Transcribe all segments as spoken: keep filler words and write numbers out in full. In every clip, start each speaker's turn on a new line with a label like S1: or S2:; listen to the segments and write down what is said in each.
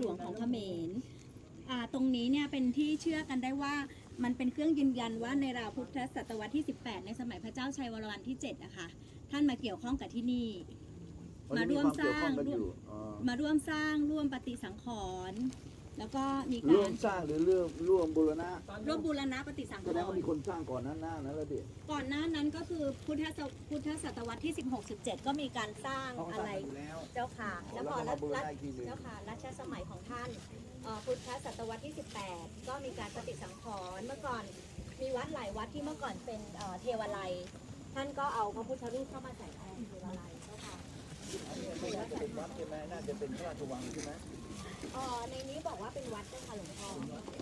S1: หลวงของเขมรอ่าตรงนี้เนี่ยเป็นที่เชื่อกันได้ว่ามันเป็นเครื่องยืนยันว่าในราวพุทธศตวรรษที่สิบแปดในสมัยพระเจ้าชัยวรมันที่เจ็ดนะคะท่านมาเกี่ยวข้องกับที่นี่มาร่วมสร้างมาร่วมสร้างร่วมปฏิสังขรณ์แล้วก็มีการ
S2: ร่วมสร้างหรือเรื่องร่วมบูรณะ
S1: ร่วมบูรณะปฏิสังขรณ์
S2: แสดงว่ามีคนสร้างก่อนหน้าหน้านั้นแล้วดิ
S1: ก่อนหน้านั้นก็คือพุทธศพุทธศตวรรษที่สิบหก สิบเจ็ดก็มีการสร้างอะไรเจ้าค่ะแล้วพอรัชเจ้าค่ะรัชสมัยของท่านพุทธศตวรรษที่สิบแปดก็มีการปฏิสังขรณ์เมื่อก่อนมีวัดหลายวัดที่เมื่อก่อนเป็นเทวาลัยท่านก็เอาพระพุทธรูปเข้ามาใส่แทนเทวาลัยเจ้าค่ะ
S2: น่าจะเป็นวัดใช่ไหมน่าจะเป็นพระราชวังใช่ไหม
S1: อ๋อในนี้บอกว่าเป็นวัดเจ้าค่ะหลวงพ่อ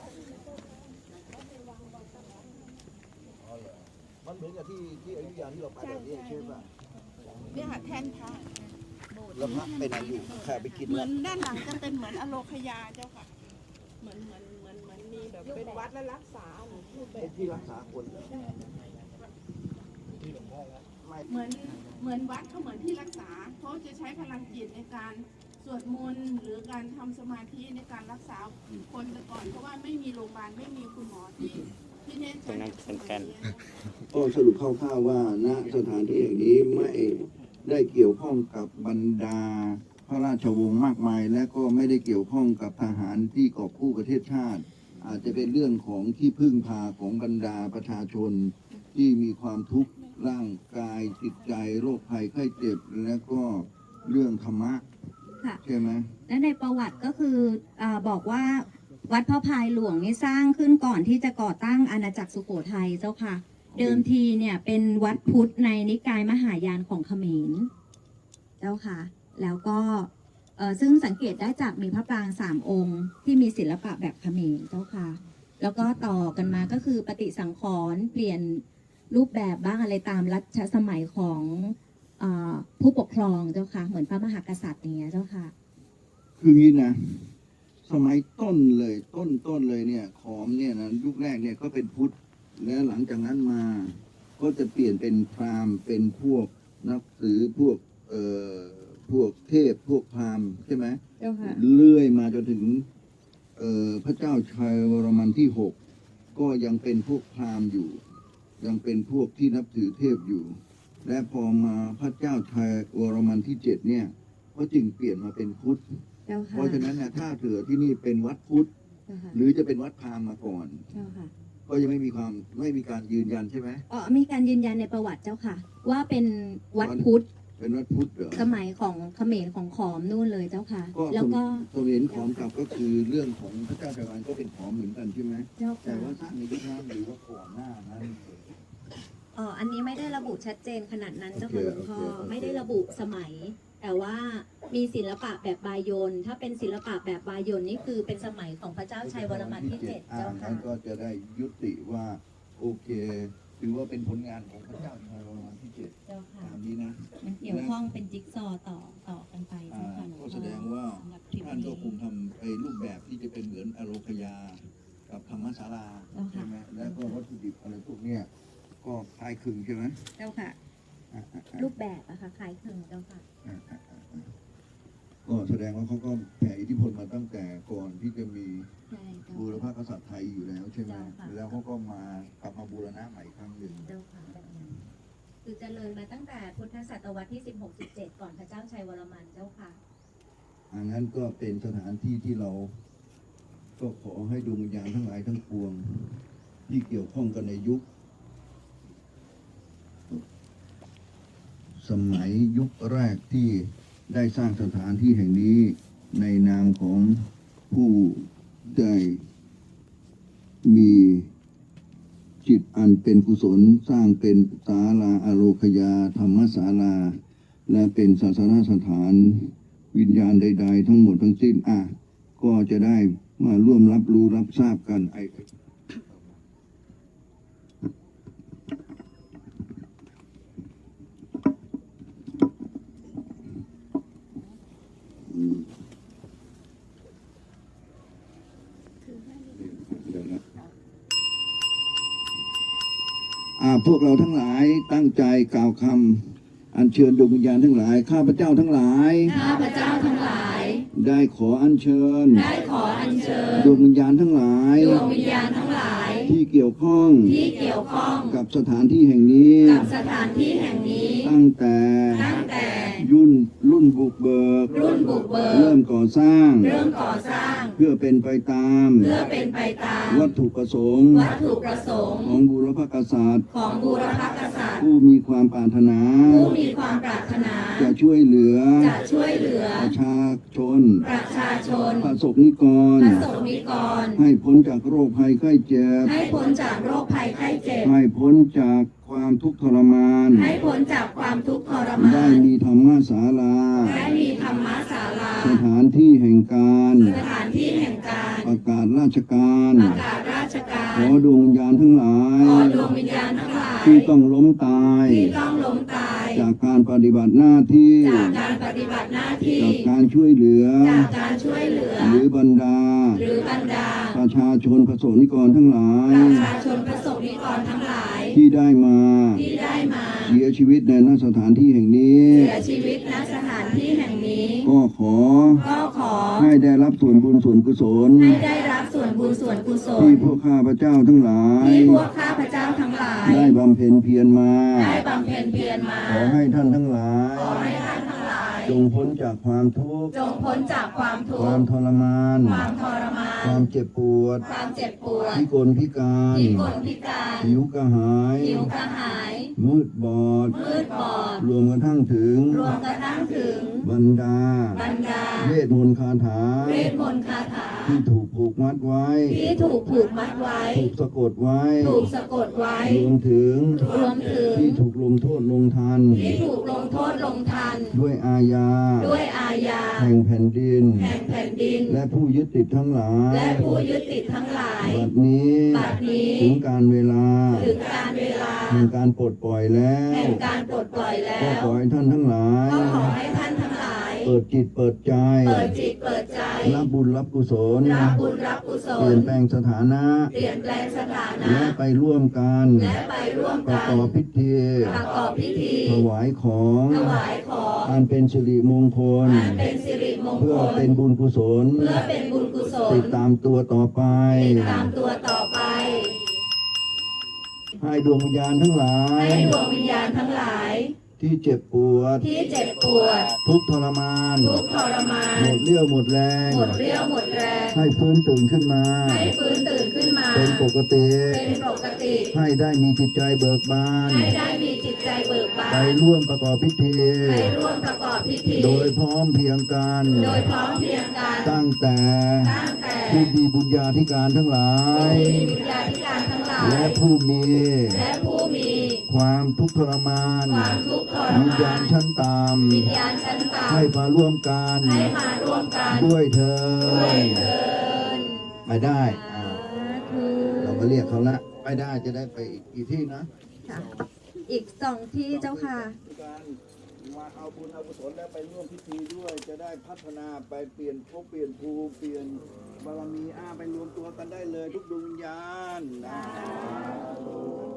S2: อ๋อเหรอมันเหมือนกับที่ที่อยุธยาที่เราไปแบบนี้ใช่ป่ะ
S3: เนี่ยค่ะแท่นพระ
S2: แล้วพระไปไหนอยู่แค่ไปกิน
S3: เหมือนด้านหลังจะเป็นเหมือนอโลคยาเจ้าค่ะเหมือนเหมือนเหมือนเหมือนมีแบบเป็นวัดและรักษารูปแบ
S2: เป็
S3: บ
S2: นที่รักษาคนเหรอ
S3: เหมือนเหมือนวัดเขาเหมือนที่รักษาเขาจะใช้พลังจิตในการสวดมนต์หรือการทำสมาธิในการรักษาคนแต่ก่อนเพราะว่าไม่มีโรงพยาบาลไม่มีคุณหมอที่ที่เน้นใช้กัน
S2: ก็สรุปคร่าวๆว่าณสถานที่แห่งนี้ไม่ได้เกี่ยวข้องกับบรรดาพระราชวงศ์มากมายและก็ไม่ได้เกี่ยวข้องกับทหารที่กอบกู้ประเทศชาติอาจจะเป็นเรื่องของที่พึ่งพาของบรรดาประชาชนที่มีความทุกข์ร่างกายจิตใจโรคภัยไข้เจ็บและก็เรื่องธรรมะใช่ไหม
S1: และในประวัติก็คืออบอกว่าวัดพระพายหลวงนี่สร้างขึ้นก่อนที่จะก่อตั้งอาณาจักรสุโขทัยเจ้าค่ะเดิมทีเนี่ยเป็นวัดพุทธในนิกายมหายานของเขมรเจ้าค่ะแล้วก็ซึ่งสังเกตได้จากมีพระปรางสามองค์ที่มีศิลปะแบบเขมรเจ้าค่ะแล้วก็ต่อกันมาก็คือปฏิสังขรณ์เปลี่ยนรูปแบบบ้างอะไรตามรัชสมัยของผู้ปกครองเจ้าค่ะเหมือนพระมหากษัตริย์อย่างเงี้ยเจ้าค่ะ
S2: คืองี้นะสมัยต้นเลยต้นต้นเลยเนี่ยขอมเนี่ยนะยุคแรกเนี่ยก็เป็นพุทธแล้วหลังจากนั้นมาก็จะเปลี่ยนเป็นพราหมณ์เป็นพวกนับถือพวกเอ่อพวกเทพพวกพราหมณ์ใช่ไหม
S1: เจ้าค่ะ
S2: เลื่อยมาจนถึงเอ่อพระเจ้าชัยวรมันที่หกก็ยังเป็นพวกพราหมณ์อยู่ยังเป็นพวกที่นับถือเทพอยู่และพอมาพระเจ้าชัยวรมันที่เจ็ดเนี่ยก็จึงเปลี่ยนมาเป็นพุทธเพราะฉะนั้นนะถ้าเถือที่นี่เป็นวัดพุทธหรือจะเป็นวัดพราหมณ์มาก่อนก็ยังไม่มีความไม่มีการยืนยันใช่ไหม
S1: อ๋อมีการยืนยันในประวัติเจ้าค่ะว่าเป็นวัดพุทธ
S2: เป็นวัดพุทธเหรอ
S1: สมัยของเขมรของขอมนู่นเลยเจ้าค่ะ
S2: แล้วก็เขมรขอมกับก็คือเรื่องของพระเจ้าชัยวรมันก็เป็นขอมเหมือนกันใช่ไหมแต่ว่าสร้างในยุคนั้นหรือว่าก่อนหน้านั้น
S1: อ๋ออันนี้ไม่ได้ระบุชัดเจนขนาดนั้นเจ้าค่ะหลวงพ่อไม่ได้ระบุสมัยแต่ว่ามีศิลปะแบบบายนถ้าเป็นศิลปะแบบบายนนี่คือเป็นสมัยของพระเจ้าชัยวรมันที่เจ็ดเจ้าค่ะ
S2: ก็จะได้ยุติว่าโอเคถือว่าเป็นผลงานของพระเจ้าชัยวรมันที่เจ็ด
S1: เจ้าค่ะ
S2: ตามนี้นะ
S1: มันเกี่ยวข้องเป็นจิ๊กซอต่อต่อกันไปเจ้าค่ะ
S2: ก็แสดงว่าท่านก็คงทำไปรูปแบบที่จะเป็นเหมือนอโลคยากับธรรมศาลาใช่ไหมแล้วก็วัตถุดิบอะไรพวกเนี้ยก็คล้ายคลึงใช่ไหม
S1: เจ้าค่ะรูปแบบอะค่ะคล้ายคลึงเจ้าค่ะ
S2: ก็แสดงว่าเขาก็แผ่อิทธิพลมาตั้งแต่ก่อนที่จะมีบูรพกษัตริย์ไทยอยู่แล้วใช่ไหมแล้วเขาก็มากลับมาบูรณะใหม่ครั้งหนึ่ง
S1: เจ้าค่ะแบบนั้นคือเจริญมาตั้งแต่พุทธศตวรรษที่สิบหก สิบเจ็ดก่อนพระเจ้าชัยวรมันเจ้าค่ะ
S2: อันนั้นก็เป็นสถานที่ที่เราก็ขอให้ดวงวิญญาณทั้งหลายทั้งปวงที่เกี่ยวข้องกันในยุคสมัยยุคแรกที่ได้สร้างสถานที่แห่งนี้ในนามของผู้ได้มีจิตอันเป็นกุศลสร้างเป็นศาลาอโลคยาธรรมศาลาและเป็นศาสนสถานวิญญาณใดๆทั้งหมดทั้งสิ้นอ่ะก็จะได้มาร่วมรับรู้รับทราบกันไอ้พวกเราทั้งหลายตั้งใจกล่าวคำอัญเชิญดวงวิญญาณทั้งหลายข้าพเจ้าทั้งหลาย
S1: ข้าพเจ้าทั้งหลาย
S2: ได้ขออัญเชิญ
S1: ได้ขออัญเชิญ
S2: ดวงวิญญาณทั้งหลาย
S1: ดวงวิญญาณทั้งหลาย
S2: ที่เกี่ยวข้อง
S1: ที่เกี่ยวข้อง
S2: กับสถานที่แห่งนี้
S1: กับสถานที่แห่งนี้
S2: ตั้งแต่
S1: ตั้งแต่
S2: ยุ่นรุ่นบุกเบิก
S1: รุ่นบุกเบิก
S2: เริ่มก่อสร้าง
S1: เริ่มก่อสร้าง
S2: เพื่อเป็นไปตาม
S1: เพื่อเป็นไปตาม
S2: วัตถุประสงค์
S1: วัตถุประสงค์
S2: ของบูรพกษัตริย์
S1: ของบูรพกษัตริย์
S2: ผู้มีความปรารถนา
S1: ผู้มีความปรารถนา
S2: จะช่วยเหลือ
S1: จะช่วยเหลือ
S2: ประชาชน
S1: ประชาชน
S2: ประสบนิกร
S1: ประสบนิกร
S2: ให้พ้นจากโรคภัยไข้เจ็บ
S1: ให้พ้นจากโรคภัยไข้เจ็บ
S2: ให้พ้นจากความทุกข์ทรมาน
S1: ให้พ้นจากความทุกข์ทรมา
S2: ได้
S1: น
S2: มีธรรมศาลา
S1: ได้มีธรรมศาลา
S2: สถานที่แห่งการ
S1: สถานที่แห่งการ
S2: ประกาศราชการ
S1: ประกาศราชการ
S2: ขอดวงวิญญาณทั้งหลาย
S1: ขอดวงวิญญาณทั้งหลาย
S2: ที่ต้องล้มตาย
S1: ที่ต้องล้มตาย
S2: จากการปฏิบัติหน้าที่
S1: จากการปฏิบัติหน้าที่
S2: จากการช่วยเหลือ
S1: จากการช่วยเหลือ
S2: หรือบรรดา
S1: หรือบรรดา
S2: ประชาชนประสบนิกรทั้งหลาย
S1: ประชาชนประสบนิกรทั้งหลาย
S2: ที่ได้มา
S1: ที่ได้มา
S2: เสียชีวิตในณสถานที่แห่งนี้
S1: เสียชีวิตณสถานที่แห่งนี้
S2: ก็ขอ
S1: ก็ขอ
S2: ให้ได้รับส่วนบุญส่วนกุศล
S1: ให้ได้รับส่วนบุญส่วนกุศล
S2: ที่พวกข้าพเจ้าทั้งหลาย
S1: ที่พวกข้าพเจ้าทั้งหลาย
S2: ได้บำเพ็ญเพียรมา
S1: ได้บำเพ็ญเพียรมา
S2: ขอให้ท่านทั้งหลาย
S1: ขอให้ท่านทั้งหลาย
S2: จงพ้นจากความทุกข์
S1: จงพ้นจากความทุก
S2: ความ
S1: ข์
S2: ทรมาน
S1: ความทรมาน
S2: ความเจ็บปวด
S1: ความเจ็บปวด
S2: พิกลพิการ
S1: พิกลพิการ
S2: หิวกระหาย
S1: หิวกระหาย
S2: มืดบอด
S1: มืดบอด
S2: รวมกระทั่งถึง
S1: รวมกระทั่งถึง
S2: บรรดา
S1: บรรดา
S2: เวทมนต์คาถา
S1: เวทมนต์คาถา
S2: ที่ถูกผูกมัดไว้
S1: ที่ถูกผูกมัดไว้
S2: ถูกสะกดไว้
S1: ถูกสะกดไว้
S2: รวมถึง
S1: รวมถึง
S2: ที่ถูกลงโทษลงทัน
S1: ที่ถูกลงโทษลงทัน
S2: ด้วยอาญา
S1: ด้วยอาญา
S2: แห่งแผ่นดิน
S1: แห่งแผ่นดิน
S2: และผู้ยึดติดทั้งหลาย
S1: และผู้ยึดติดทั้งหลาย
S2: บัดนี้
S1: บัดนี้
S2: ถึงการเวลา
S1: ถึงการเวลา
S2: แห่งการปลดปล่อยแล้ว
S1: แห่งการปลดปล่อยแล้
S2: ก็
S1: ว
S2: ขอให้ท่านทั้งหลาย
S1: ก็ขอให้ท่านทั้งหลาย
S2: เปิดจิตเปิดใจ
S1: เปิดจิตเปิดใจ
S2: รับบุญรับกุศล
S1: รับบุญรับกุศ
S2: เปลี่
S1: ล
S2: ยนแปลงสถานะ
S1: เปลี่ยนแปลงสถานะ
S2: และไปร่วมกัน
S1: และไปร่วม
S2: ประ
S1: กัน
S2: กอบพิธี
S1: ประกอบพิธี
S2: ถวายของ
S1: ถวายของ
S2: อันเป็นสิริมงคล
S1: อันเป็นสิริมงค
S2: เพื่อ
S1: ล
S2: เป็นบุญกุศล
S1: เพื่อเป็นบุญกุศล
S2: ติดตามตัวต่อไป
S1: ติดตามตัวต่อไป
S2: ให้ดวงวิญญาณทั้งหลาย
S1: ให้ดวงวิญญาณทั้งหลาย
S2: ที่เจ็บปวด
S1: ที่เจ็บปวด
S2: ทุกข์ทรมาน
S1: ทุกข์ทรมาน
S2: หมดเรี่ยวหมดแรง
S1: หมดเรี่ยวหมดแรง
S2: ให้ฟื้นตื่นขึ้นมา
S1: ให้ฟื้นตื่นขึ้นมา
S2: เป็นปกติ
S1: เป็นปกติ
S2: ให้ได้มีจิตใจเบิกบาน
S1: ให้ได้มีจิตใจเบิกบา
S2: ไป
S1: น
S2: ร่วมประกอบพิธี
S1: ไปร่วมประกอบพิธี
S2: โดยพร้อมเพรียงกัน
S1: โดยพร้อมเพรียงกัน
S2: ตั้งแต่
S1: ตั้งแต่
S2: ผู้มีบุญญาธิการทั้งหลาย
S1: ผู้มีวิญญาธิการทั้งหลาย
S2: และผู้มี
S1: และผู้มี
S2: ความทุกข์ทรมาน
S1: ความทุกข์ทร
S2: วิญ
S1: มา
S2: ญาน ณชั้นต่
S1: วิญญาณชั้นต่
S2: ำให้มาร่วมกัน
S1: ำให้มาร่วมกัน
S2: ด้วยเธอ
S1: ด้วยเถิด
S2: ไปได้อ่า
S1: ธุ
S2: เรามาเรียกเขาละไปได้จะได้ไปอีกกี่ที่นะ
S1: ค่ะอีกสองที่เจ้าค่ะ
S2: การมาเอาบุญเอากุศลแล้วไปร่วมพิธีด้วย จะได้พัฒนาไปเปลี่ยนภพเปลี่ยนภูมิเปลี่ยนบารมีอ้าไปรวมตัวกันได้เลยทุกดวงวิญญาณนะ